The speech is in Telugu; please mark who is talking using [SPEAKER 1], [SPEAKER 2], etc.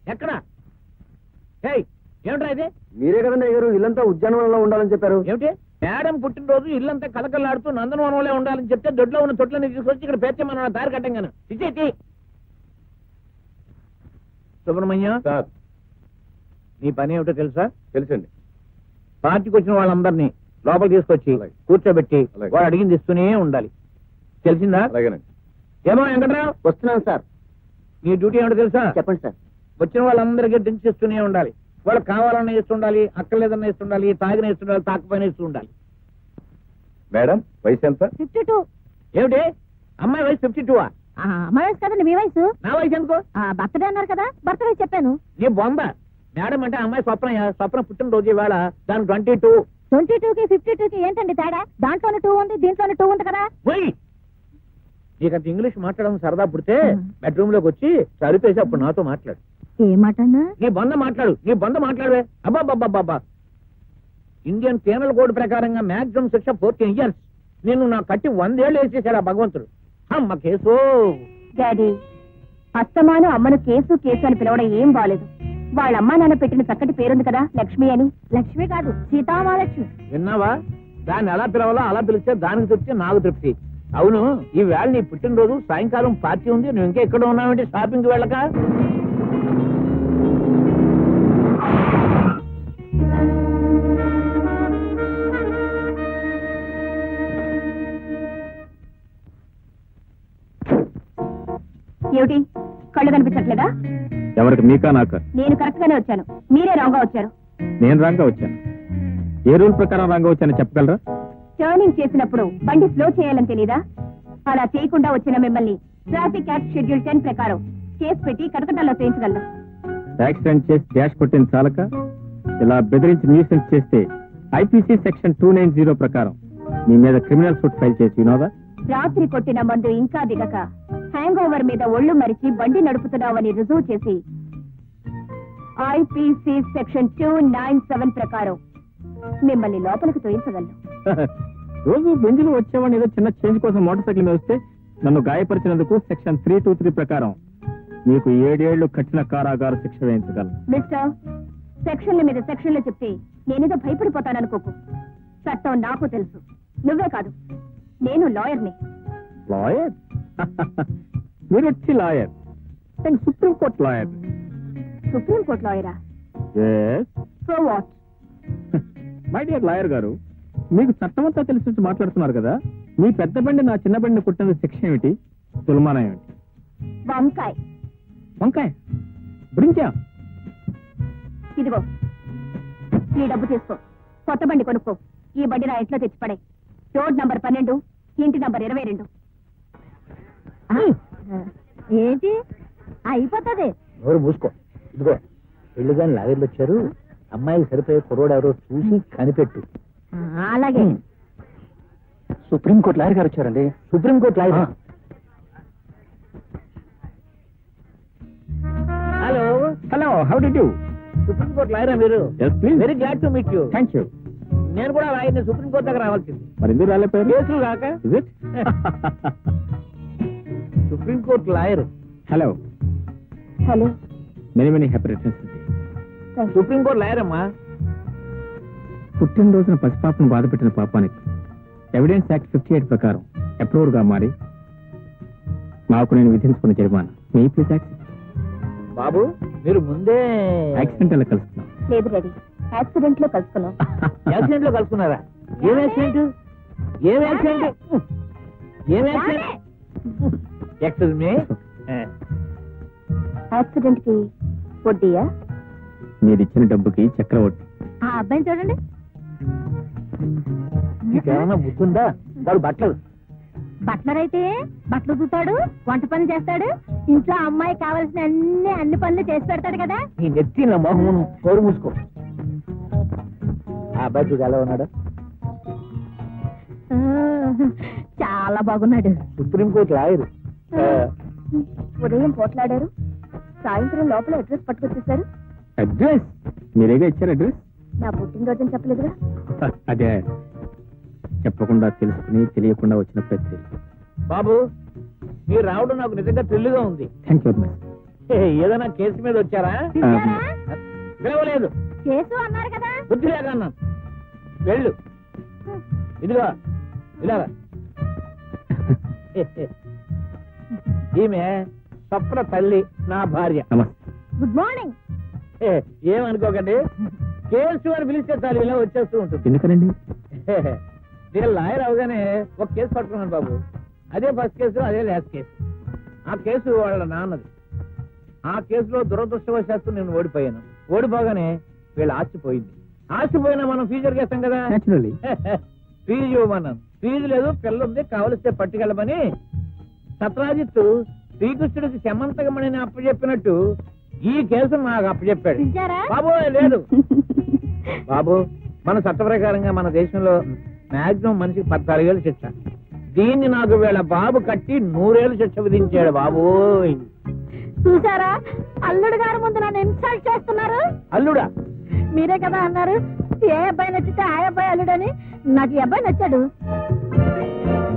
[SPEAKER 1] ఎక్కడ? ఏమిట్రా ఇది?
[SPEAKER 2] మీరే కదండి అయ్యారు ఇల్లంతా ఉద్యానవనంలో ఉండాలని చెప్పారు.
[SPEAKER 1] ఏమిటి? మేడం పుట్టినరోజు ఇల్లంతా కలకల్లాడుతూ నందనవనంలో ఉండాలని చెప్తే దొడ్లో ఉన్న తొట్లని తీసుకొచ్చి ఇక్కడ పేర్చమన్న దారి కట్టంగాను. ఇచ్చేటి సుబ్రహ్మణ్యం, నీ పని ఏమిటో తెలుసా?
[SPEAKER 2] తెలుసండి.
[SPEAKER 1] పార్టీకి వచ్చిన వాళ్ళందరినీ లోపల తీసుకొచ్చి కూర్చోబెట్టి వాడు అడిగింది ఇస్తూనే ఉండాలి. తెలిసిందా?
[SPEAKER 2] అలాగేనండి.
[SPEAKER 1] ఏమో వెంకట్రావు,
[SPEAKER 2] వస్తున్నాను సార్.
[SPEAKER 1] నీ డ్యూటీ ఏమిటో తెలుసా?
[SPEAKER 2] చెప్పండి సార్.
[SPEAKER 1] వచ్చిన వాళ్ళందరికీ డ్రింక్స్ ఇస్తూనే ఉండాలి. వాళ్ళకి కావాలన్నా ఇస్తుండాలి, అక్కర్లేదన్నా ఇస్తుండాలి, తాగిన ఇస్తుండాలి, తాకపోయినా ఇస్తూ ఉండాలి.
[SPEAKER 2] మేడం వయసు ఎంత?
[SPEAKER 3] 52.
[SPEAKER 1] ఏమిటి? అమ్మాయి వయసు 52?
[SPEAKER 3] అమ్మాయి వయసు కదండి మీ వయసు.
[SPEAKER 1] నా వయసు ఎందుకో?
[SPEAKER 3] బర్త్డే అన్నారు కదా, బర్త్ వయసు చెప్పాను.
[SPEAKER 1] నీ బొంద. మేడం అంటే అమ్మాయి స్వప్న పుట్టినరోజు ఇవాళ, దాని 22.
[SPEAKER 3] 22కి 52కి ఏంటండి తేడా? దాంట్లోనే 2 ఉంది, దీంట్లోనే 2 ఉంది కదా.
[SPEAKER 1] నీకంత ఇంగ్లీష్ మాట్లాడడం సరదా పుడితే బెడ్రూమ్ లోకి వచ్చి సరిపేసి అప్పుడు నాతో మాట్లాడు.
[SPEAKER 3] ఏమాటన్నా?
[SPEAKER 1] నీ బంద మాట్లాడవే. అబ్బాబ్బాబ్బా, ఇండియన్ పీనల్ కోడ్ ప్రకారంగా మాక్సిమం శిక్ష 14 years. నేను నా కట్టి 100 ఏళ్ళు వేసేసాడు ఆ భగవంతుడు. అమ్మ కేసు.
[SPEAKER 3] డాడీ, అస్తమాను అమ్మను కేసు కేసు అని పిలవడం ఏం బాలేదు. వాళ్ళ అమ్మా నాన్న పెట్టిన చక్కటి పేరుంది కదా, లక్ష్మి అని. లక్ష్మి కాదు, సీతామహాలక్ష్మి.
[SPEAKER 1] విన్నావా? దాన్ని ఎలా పిలవాలో అలా పిలిస్తే దానికి తృప్తి, నాకు తృప్తి. అవును, ఈ వేళ నీ పుట్టినరోజు, సాయంకాలం పార్టీ ఉంది, నువ్వు ఇంకా ఎక్కడ ఉన్నావంటే షాపింగ్ వెళ్ళక?
[SPEAKER 3] ఏమిటి, కళ్ళు కనిపించట్లేదా?
[SPEAKER 2] ఎవరికి, మీకా నాకా?
[SPEAKER 3] నేను కరెక్ట్ గానే వచ్చాను, మీరే రాంగ్ గా వచ్చారు.
[SPEAKER 2] నేను రాంగా వచ్చాను. ఏ రూల్ ప్రకారం రాంగా వచ్చానో చెప్పగలరా?
[SPEAKER 3] టర్నింగ్ చేసినప్పుడు బండి స్లో చేయాలని తెలీదా? అలా చేయకుండా వచ్చిన మిమ్మల్ని ట్రాఫిక్ యాక్ట్ షెడ్యూల్ 10 ప్రకారం కేసు పెట్టి కటకటాల్లో చేయించగలను.
[SPEAKER 2] యాక్సిడెంట్ చేసి డాష్ కొట్టిన చాలక ఇలా బెదిరించి న్యూసెన్స్ చేస్తే ఐపీసీ సెక్షన్ 290 ప్రకారం మీ మీద క్రిమినల్ సూట్ ఫైల్ చేసి వినోదా?
[SPEAKER 3] రాత్రి కొట్టిన మందు ఇంకా దిగక హ్యాంగ్ ఓవర్ మీద ఒళ్ళు మరిచి బండి నడుపుతున్నావని రుజువు చేసి ఐపీసీ సెక్షన్ 297 ప్రకారం మిమ్మల్ని లోపలికి తోయించగలను.
[SPEAKER 2] రోజు బెంజులు వచ్చేవాడిని ఏదో చిన్న చేంజ్ కోసం మోటార్ సైకిల్ మీద వస్తే నన్ను గాయపరిచినందుకు సెక్షన్ 323 ప్రకారం మీకు 7 ఏళ్లు కఠిన కారాగార శిక్ష వేయించగలను.
[SPEAKER 3] మిస్టర్, సెక్షన్ల మీద సెక్షన్లు చెప్తే నేనేదో భయపడిపోతాననుకోకు. చట్టం నాకు తెలుసు, నువ్వే కాదు, నేను లాయర్ని.
[SPEAKER 2] లాయర్? మీరు వచ్చి లాయర్? నేను సుప్రీంకోర్టు లాయర్.
[SPEAKER 3] సుప్రీంకోర్టు లాయరా? So what?
[SPEAKER 2] My dear lawyer గారు, మీకు చట్టం అంతా తెలిసి మాట్లాడుతున్నారు కదా, మీ పెద్ద బండి నా చిన్న బండిని కుట్టిన శిక్ష ఏమిటి, తులమానం ఏమిటి?
[SPEAKER 3] వంకాయ.
[SPEAKER 2] వంకాయ? బ్రింకా?
[SPEAKER 3] ఇదిగో ఈ డబ్బు తీసుకో, కొత్త బండి కొనుక్కో. ఈ బండి నా ఇంట్లో తెచ్చిపడే. రోడ్ నంబర్ 12, ఇంటి నంబర్ 22. ఏంటి అయిపోతుంది?
[SPEAKER 1] ఎవరు మూసుకో. ఇదిగో పెళ్లి గాని లాగర్లు వచ్చారు, అమ్మాయికి సరిపోయే కుర్రోడు ఎవరో చూసి కనిపెట్టు.
[SPEAKER 3] అలాగే.
[SPEAKER 2] సుప్రీంకోర్టు లాయర్ గారు వచ్చారండి.
[SPEAKER 1] Supreme court lawyer? Hello
[SPEAKER 2] hello, how do you?
[SPEAKER 1] Supreme court లాయరా మీరు? Very glad to meet you.
[SPEAKER 2] Thank you.
[SPEAKER 1] నేను కూడా లాయర్ని, సుప్రీంకోర్టు దగ్గర రావాల్సింది.
[SPEAKER 2] మరి ఎందుకు రాలేపోయారు?
[SPEAKER 1] కేసులు కాక. Supreme court lawyer.
[SPEAKER 2] Hello
[SPEAKER 3] hello,
[SPEAKER 2] many happy returns.
[SPEAKER 1] Supreme court lawyer అమ్మా.
[SPEAKER 2] పుట్టినరోజున పసిపాపను బాధపెట్టిన పాపానికి ఎవిడెన్స్ యాక్ట్ 58 ప్రకారం అప్రూవర్ గా మారి మాకు నేను విధించుకున్న జరిమానా మీ ప్లీజ్ యాక్ట్.
[SPEAKER 1] బాబు, మీరు ముందే
[SPEAKER 2] యాక్సిడెంట్ లో కలుస్తున్నాం.
[SPEAKER 3] లేదు డాడీ, యాక్సిడెంట్ లో కలుసుకున్నాం.
[SPEAKER 1] యాక్సిడెంట్ లో కలుసుకున్నారా? ఏం యాక్సిడెంట్? ఏం యాక్సిడెంట్? ఏం యాక్సిడెంట్? Excuse me.
[SPEAKER 3] యాక్సిడెంట్ కి వడ్డీయా?
[SPEAKER 2] మీరు ఇచ్చిన డబ్బుకి చక్రవడ్డీ.
[SPEAKER 3] ఆ అబ్బాయిని చూడండి.
[SPEAKER 1] మీకేమన్నా బుద్ధుందా? వాడు
[SPEAKER 3] బట్లర్ అయితే బట్టలు చూతాడు, వంట పనులు చేస్తాడు, ఇంట్లో అమ్మాయి కావాల్సిన అన్ని పనులు చేసి పెడతాడు కదా.
[SPEAKER 1] నీ నెత్తి నా మొహం కోరు మూసుకో. ఆ అబ్బాయి చూడు ఎలా ఉన్నాడు?
[SPEAKER 3] చాలా బాగున్నాడు.
[SPEAKER 1] Supreme court lawyer.
[SPEAKER 3] ఉదయం పోట్లాడారు, సాయంత్రం లోపల అడ్రస్ పట్టుకొచ్చేసారు.
[SPEAKER 2] అడ్రస్ మీరేగా ఇచ్చారు? అడ్రస్
[SPEAKER 3] నా పుట్టినరోజు చెప్పలేదుగా.
[SPEAKER 2] అదే చెప్పకుండా తెలుసుకుని తెలియకుండా వచ్చిన ప్రతి.
[SPEAKER 1] బాబు, మీరు రావడం నాకు నిజంగా థ్రిల్గా ఉంది.
[SPEAKER 2] Thank you.
[SPEAKER 1] ఏదైనా కేసు మీద వచ్చారా?
[SPEAKER 3] పిలిచారా?
[SPEAKER 1] పిలవలేదు,
[SPEAKER 3] కేసు అన్నారు కదా.
[SPEAKER 1] బుద్ధి లేదన్నా. వెళ్ళు, ఇదిగో ఇలా. ఈమె స్వప్న తల్లి, నా భార్య.
[SPEAKER 2] నమస్తే.
[SPEAKER 3] Good morning.
[SPEAKER 1] ఏమనుకోకండి, కేసు అని పిలిస్తే చాలు ఇలా వచ్చేస్తూ ఉంటుంది.
[SPEAKER 2] ఎందుకనండి?
[SPEAKER 1] నేను లాయర్ అవగానే ఒక కేసు పట్టుకున్నాను బాబు. అదే ఫస్ట్ కేసు, అదే లాస్ట్ కేసు. ఆ కేసు వాళ్ళ నాన్నది. ఆ కేసులో దురదృష్టవశాత్తు నేను ఓడిపోయాను. ఓడిపోగానే వీళ్ళ ఆస్తిపోయింది. ఆస్తిపోయినా మనం ఫ్యూచర్ చేస్తాం కదా.
[SPEAKER 2] Naturally.
[SPEAKER 1] ఫీజు ఇవ్వమన్నాను. ఫీజు లేదు, పిల్ల ఉంది, కావలిస్తే పట్టుకెళ్ళమని సత్రాజిత్తు శ్రీకృష్ణుడికి శమంతకమణిని అప్పచెప్పినట్టు ఈ కేసు నాకు అప్పచెప్పాడు.
[SPEAKER 3] పిలిచారా?
[SPEAKER 1] బాబు లేదు బాబు, మన చట్ట ప్రకారంగా మన దేశంలో మాక్సిమం మనిషికి 14 ఏళ్ళు శిక్ష. దీన్ని నాకు వీళ్ళ బాబు కట్టి 100 ఏళ్ళు శిక్ష విధించాడు బాబు.
[SPEAKER 3] చూసారా, అల్లుడు గారు ముందు నన్ను ఇన్సల్ట్ చేస్తున్నారు.
[SPEAKER 1] అల్లుడా?
[SPEAKER 3] మీరే కదా అన్నారు ఏ అబ్బాయి నచ్చితే ఆ అబ్బాయి అల్లుడని. నాకు ఈ అబ్బాయి నచ్చాడు.